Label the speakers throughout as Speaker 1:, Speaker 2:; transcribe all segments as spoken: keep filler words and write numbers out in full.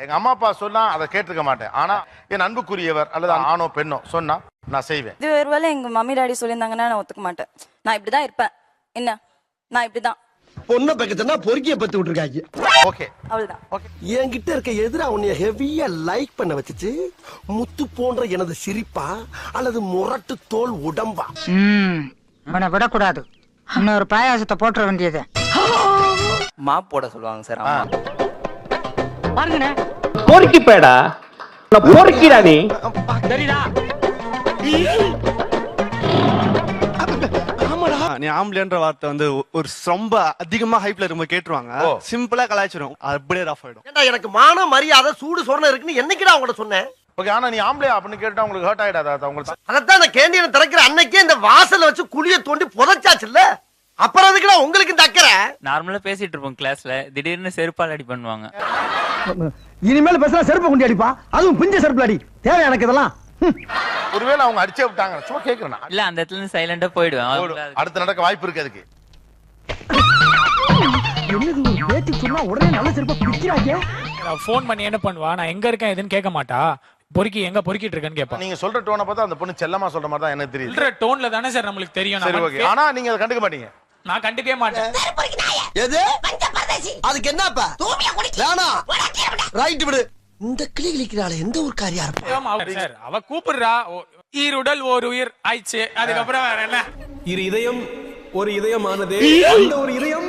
Speaker 1: எங்க அம்மா அப்பா சொன்னா அதை கேட்டிருக்க மாட்டேன். ஆனா என் அன்புக்குரியவர் அல்லது ஆணோ பெண்ணோ சொன்னா நான் செய்வேன்.
Speaker 2: இது ஒருவேளை எங்க மம்மி டாடி சொல்லியிருந்தாங்கன்னா நான் ஒத்துக்க மாட்டேன். நான் இப்படிதான் இருப்பேன். என்ன நான் இப்படிதான்
Speaker 3: பொண்ணை பக்கத்துனா பொறுக்கிய பத்து விட்டுருக்காங்க.
Speaker 1: ஓகே
Speaker 2: அவ்வளவுதான்.
Speaker 1: ஓகே
Speaker 3: என்கிட்ட இருக்க எதிரா உன்னைய ஹெவியா லைக் பண்ண வச்சுச்சு முத்து போன்ற எனது சிரிப்பா அல்லது முரட்டு தோல் உடம்பா?
Speaker 4: அவனை விடக்கூடாது. இன்னொரு பாயாசத்தை போட்டுற வேண்டியது.
Speaker 5: மாப் போட சொல்லுவாங்க சார்.
Speaker 4: பாருங்கண்ணே,
Speaker 6: பொறுக்கி பேடா பொறுக்கிடா நீ.
Speaker 4: சரிடா.
Speaker 7: நீ ஆம்பளைன்ற வார்த்தை வந்து ஒரு ரொம்ப அதிகமா ஹைப்ல ரொம்ப கேட்டுருவாங்க. சிம்பிளா கலாய்ச்சிரும், அப்படியே ரஃப் ஆயிடும்.
Speaker 3: ஏண்டா எனக்கு மான மரியாதை சூடு சொரணை இருக்குன்னு என்னைக்குடா உங்கள்ட்ட சொன்னேன்?
Speaker 1: ஓகே. ஆனா நீ ஆம்பளையா அப்படின்னு கேட்டா உங்களுக்கு ஹர்ட் ஆயிடாதா? உங்களுக்கு
Speaker 3: அதான் அந்த கேண்டீனை திறக்கிற அன்னைக்கே இந்த வாசல்ல வச்சு குழிய தோண்டி புதைச்சாச்சுல்ல, அப்புறம் அதுக்குடா உங்களுக்கு இந்த அக்கறை?
Speaker 5: நார்மலா பேசிட்டு இருப்போம் கிளாஸ்ல, திடீர்னு செருப்பால் அடி பண்ணுவாங்க.
Speaker 3: இனிமேல் பேசுறா செருப்பு குண்டி அடிப்பா, அதுவும் பிஞ்ச செருப்பு அடி. தேவை எனக்கு இதெல்லாம்.
Speaker 1: ஒருவேளை அவங்க அடிச்சே விட்டாங்க, சும்மா கேக்குறேன்.
Speaker 5: இல்ல அந்த இடத்துல இருந்து சைலண்டா போயிடுவேன்.
Speaker 1: அடுத்து நடக்க வாய்ப்பு இருக்கு அதுக்கு.
Speaker 3: என்னது ஒரு பேச்சு சொன்னா உடனே நல்ல செருப்பா பிடிக்கிறாங்க.
Speaker 8: நான் ஃபோன் பண்ணி என்ன பண்ணுவா, நான் எங்க இருக்கேன் எதுன்னு கேட்க மாட்டா, பொறுக்கி எங்க பொறுக்கிட்டு இருக்கேன்னு கேட்பா.
Speaker 1: நீங்க சொல்ற டோனை பார்த்தா அந்த பொண்ணு செல்லமா சொல்ற மாதிரி தான் எனக்கு தெரியுது.
Speaker 8: சொல்ற டோன்ல தானே சார் நம்மளுக்கு தெரியும்.
Speaker 1: சரி ஓகே. ஆனா நீங்க அதை கண்டுக்க மாட்டீங்க.
Speaker 8: நான் கண்டுக்கவே மாட்டேன்.
Speaker 3: எது அதுக்கு என்னப்பா வேணா ரைட் விடு. இந்த கிளி கிளிக்கிறாளே எந்த ஒரு காரியா இருப்பா
Speaker 8: சார் அவ கூப்பிடுறா, ஈருடல் ஓர் உயிர் ஆயிடுச்சு, அதுக்கப்புறம் வேற என்ன?
Speaker 9: இரு இதயம் ஒரு இதயமானது, அந்த ஒரு இதயம்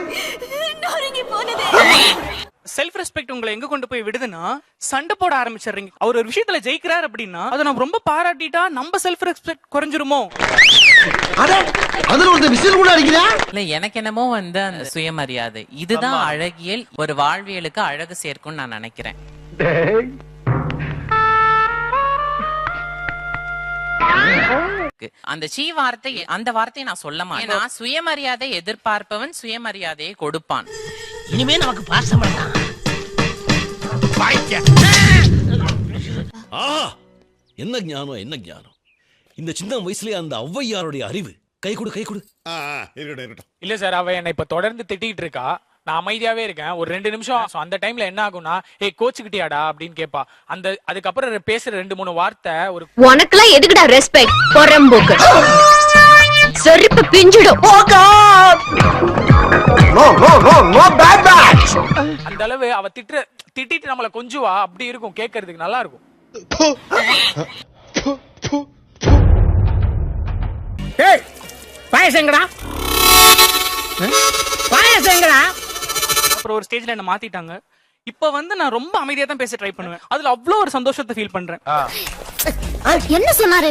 Speaker 10: செல்ஃப் ரெஸ்பெக்ட் உங்களை எங்க கொண்டு போய் விடுதுன்னா சண்டை போட ஆரம்பிச்சிடுறீங்க. அவர் ஒரு விஷயத்துல ஜெயிக்கிறார் அப்படின்னா அதை நம்ம ரொம்ப பாராட்டிட்டா நம்ம செல்ஃப் ரெஸ்பெக்ட் குறைஞ்சிருமோ?
Speaker 3: அதுல ஒரு விசில் கூட அடிக்கிறா.
Speaker 5: இல்ல எனக்கு என்னமோ வந்து அந்த சுயமரியாதை இதுதான் அழகியல், ஒரு வாழ்வியலுக்கு அழகு சேர்க்கும்னு நான் நினைக்கிறேன். அந்த சீ வார்த்தை, அந்த வார்த்தையை நான் சொல்ல மாட்டேன். நான் சுயமரியாதை எதிர்பார்ப்பவன் சுயமரியாதையை கொடுப்பான்.
Speaker 4: இனிமே நமக்கு பாசம் வேண்டாம்.
Speaker 9: என்ன ஞானம் என்ன ஞானம்! இந்த சின்ன வயசுலயே அந்த ஔவையாருடைய அறிவு. கை கொடு கை கொடு.
Speaker 8: இல்ல சார், அவ என்ன இப்ப தொடர்ந்து திட்டிட்டு இருக்கா, நான் அமைதியாவே இருக்கேன். ஒரு ரெண்டு நிமிஷம் அந்த டைம்ல என்ன ஆகும்னா, ஏய் கோச்சுக்கிட்டியாடா அப்படின்னு கேட்பா. அந்த அதுக்கப்புறம் பேசுற ரெண்டு மூணு வார்த்தை ஒரு
Speaker 2: உனக்குலாம் எதுக்குடா ரெஸ்பெக்ட் பொறம்போக்கு செருப்பு பிஞ்சிடும்.
Speaker 3: No no no no bad bad.
Speaker 8: அந்த அளவு அவ திட்டு திட்டிட்டு நம்மள கொஞ்சுவா, அப்படி இருக்கும், கேட்கறதுக்கு நல்லா இருக்கும்.
Speaker 4: ஏய் பாயசங்கடா, பாயசங்கடா.
Speaker 10: அப்புறம் ஒரு ஸ்டேஜ்ல என்ன மாத்திட்டாங்க. இப்ப வந்து நான் ரொம்ப அமைதியா தான் பேச ட்ரை பண்ணுவேன். அதுல அவ்வளவு ஒரு சந்தோஷத்தை ஃபீல் பண்றேன்.
Speaker 2: என்ன சொன்னாரு?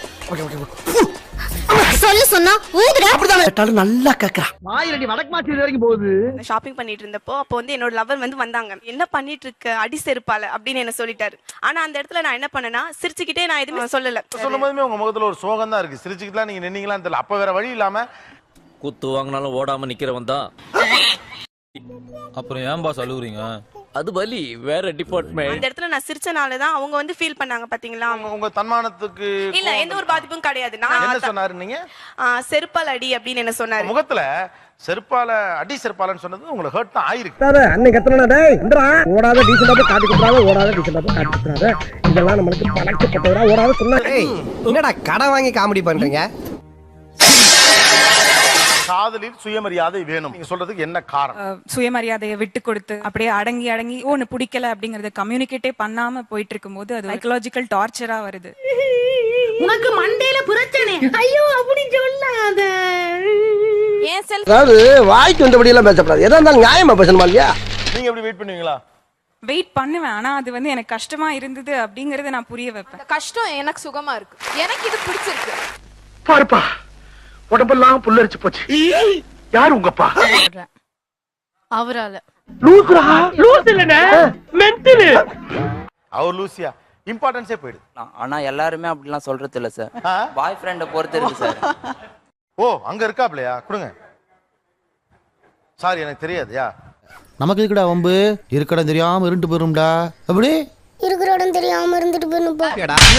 Speaker 2: சொல்ல சொன்னா ஊதுடா.
Speaker 3: அப்படிதான் நல்லா கேக்குறா.
Speaker 4: மாயிரடி வடக்கு மாத்தி வரைக்கும் போகுது.
Speaker 2: ஷாப்பிங் பண்ணிட்டு இருந்தப்போ அப்போ வந்து என்னோட லவர் வந்து வந்தாங்க. என்ன பண்ணிட்டு இருக்க அடி செருப்பால அப்படின்னு என்ன சொல்லிட்டாரு. ஆனா அந்த இடத்துல நான் என்ன பண்ணேன்னா சிரிச்சுக்கிட்டே நான் எதுவுமே சொல்லல.
Speaker 1: சொல்லும் போதுமே உங்க முகத்துல ஒரு சோகம் தான் இருக்கு. சிரிச்சுக்கிட்டா நீங்க நின்னீங்களான்னு தெரியல. அப்ப வேற வழி இல்லாம
Speaker 6: குத்து வாங்கினாலும் ஓடாம நிக்கிறவன் தான். அப்புறம் ஏன் பாஸ் அழுகுறீங்க? அது வலி வேற டிபார்ட்மெண்ட்.
Speaker 2: அந்த இடத்துல நான் சிரிச்சனால தான் அவங்க வந்து ஃபீல் பண்ணாங்க பாத்தீங்களா.
Speaker 1: உங்க தன்மானத்துக்கு
Speaker 2: இல்ல எந்த ஒரு பாதிப்பும் கிடையாது. நான்
Speaker 1: என்ன சொன்னாரு நீங்க?
Speaker 2: செருப்பால் அடி அப்படின்னு என்ன சொன்னாரு.
Speaker 1: முகத்துல செருப்பால அடி செருப்பாலன்னு சொன்னது உங்களுக்கு ஹர்ட் தான் ஆயிருக்கு.
Speaker 3: அன்னைக்கு கத்தனா டேய் இந்தடா ஓடாத டீசன்டா போய் காட்டி குடுறாத, ஓடாத டீசன்டா போய் காட்டி குடுறாத, இதெல்லாம் நமக்கு பழக்கப்பட்டவரா ஓடாத சொன்னா. ஏய் என்னடா கடை வாங்கி காமெடி பண்றீங்க?
Speaker 1: காதலில் சுயமரியாதை வேணும் நீங்க சொல்றதுக்கு என்ன காரணம்?
Speaker 2: சுயமரியாதையை விட்டு கொடுத்து அப்படியே அடங்கி அடங்கி ஒன்னு பிடிக்கல அப்படிங்கறத கம்யூனிகேட்டே பண்ணாம போயிட்டு இருக்கும்போது அது சைக்காலஜிக்கல் டார்ச்சரா வருது.
Speaker 4: உனக்கு மண்டையில பிரச்சனை. ஐயோ அப்படி சொல்லாத.
Speaker 2: ஏன் செல்
Speaker 3: அதாவது வாய்க்கு வந்தபடி எல்லாம் பேசக்கூடாது. எதா இருந்தாலும் நியாயமா பேசணுமா இல்லையா?
Speaker 1: நீங்க எப்படி வெயிட் பண்ணுவீங்களா?
Speaker 2: வெயிட் பண்ணுவேன். ஆனா அது வந்து எனக்கு கஷ்டமா இருந்தது அப்படிங்கறத நான் புரிய வைப்பேன்.
Speaker 11: கஷ்டம் எனக்கு சுகமா இருக்கு, எனக்கு இது பிடிச்சிருக்கு.
Speaker 3: பாருப்பா உடம்பெல்லாம் புல்லரிச்சு போச்சு. யார் உங்கப்பா?
Speaker 11: அவரால
Speaker 3: லூசுரா லூஸ் இல்லனே மென்டல்.
Speaker 1: அவர் லூசியா இம்பார்ட்டன்ஸே போயிடுது.
Speaker 5: ஆனா எல்லாருமே அப்படிலாம் சொல்றது இல்ல சார். பாய் ஃப்ரெண்ட பொறுத்து இருக்கு சார்.
Speaker 1: ஓ அங்க இருக்காப்லையா? கொடுங்க. சாரி எனக்கு தெரியாதுயா.
Speaker 12: நமக்கு இருக்குடா வம்பு, இருக்கட தெரியாம இருண்டு போயிரும்டா. அப்படி
Speaker 2: இருக்கிற இடம் தெரியாம இருந்துட்டு போயிருப்பா.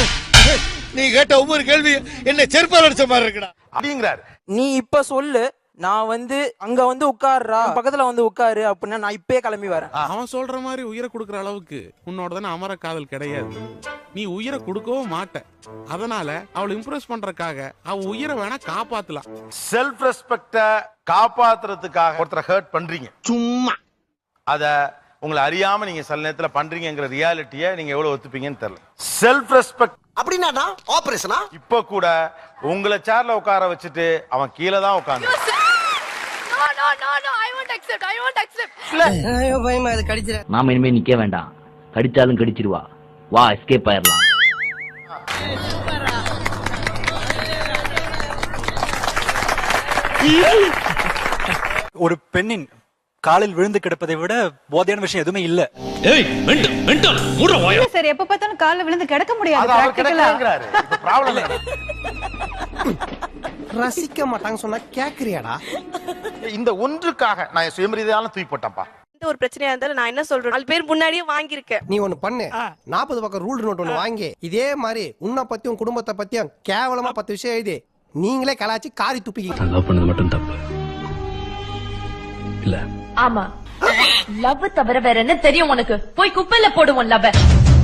Speaker 3: நீ கேட்ட ஒவ்வொரு கேள்வி என்ன செருப்பால் அடிச்ச மாதிரி இருக்குடா
Speaker 1: அப்படிங்கிறார்.
Speaker 5: நீ இப்ப சொல்லு,
Speaker 13: நான் வந்து அங்க வந்து உட்காருறா பக்கத்துல வந்து உட்காரு அப்படின்னா நான் இப்பயே கிளம்பி வரேன்.
Speaker 14: அவன் சொல்ற மாதிரி உயிரை கொடுக்கற அளவுக்கு உன்னோட தானே அமர காதல் கிடையாது. நீ உயிரை கொடுக்கவும் மாட்ட. அதனால அவளை இம்ப்ரெஸ் பண்றதுக்காக அவ உயிரை வேணா காப்பாத்தலாம்.
Speaker 1: செல்ஃப் ரெஸ்பெக்ட காப்பாத்துறதுக்காக ஒருத்தரை ஹர்ட் பண்றீங்க சும்மா. அத உங்களை அறியாம நீங்க சில நேரத்துல பண்றீங்கங்கிற ரியாலிட்டியை நீங்க எவ்வளவு ஒத்துப்பீங்கன்னு தெரியல. செல்ஃப் ரெஸ்பெக்ட் அப்படின்னா ஆபரேஷனா? இப்ப கூட உங்களை சேர்ல உட்கார வச்சுட்டு அவன் கீழே தான் உட்கார்ந்து
Speaker 6: நாம இனிமே நிக்க வேண்டாம். கடிச்சாலும் கடிச்சிருவா. வா எஸ்கேப் ஆயிரலாம்.
Speaker 13: ஒரு பெண்ணின் காலில் விழுந்து கிடப்பதை விட போதையான விஷயம் எதுவுமே இல்ல.
Speaker 9: ஏய் மெண்டல் மெண்டல் மூட வாயா.
Speaker 4: சார் எப்ப பார்த்தாலும் கால்ல விழுந்து கிடக்க முடியாது.
Speaker 1: அது அவர் கிடக்குறாரு. இப்ப ப்ராப்ளம் இல்ல.
Speaker 3: ரசிக்க மாட்டாங்க சொன்னா கேக்குறியாடா?
Speaker 1: இந்த ஒன்றுக்காக நான் என் சுயமரியாதையால தூக்கி போட்டேன்ப்பா.
Speaker 2: எந்த ஒரு பிரச்சனையா இருந்தாலும் நான் என்ன சொல்றேன், நாலு பேர் முன்னாடியே வாங்கியிருக்கேன்.
Speaker 3: நீ ஒண்ணு பண்ணு, நாற்பது பக்கம் ரூல் நோட் ஒண்ணு வாங்கி இதே மாதிரி உன்னை பத்தியும் குடும்பத்தை பத்தியும் கேவலமா பத்து விஷயம் எழுதி நீங்களே கலாச்சி காரி துப்பிக்க.
Speaker 9: லவ் பண்ணது மட்டும் தப்பு இல்ல.
Speaker 11: ஆமா, லவ் தவிர வேற என்ன தெரியும் உனக்கு? போய் குப்பையில போடுவோம் லவ்.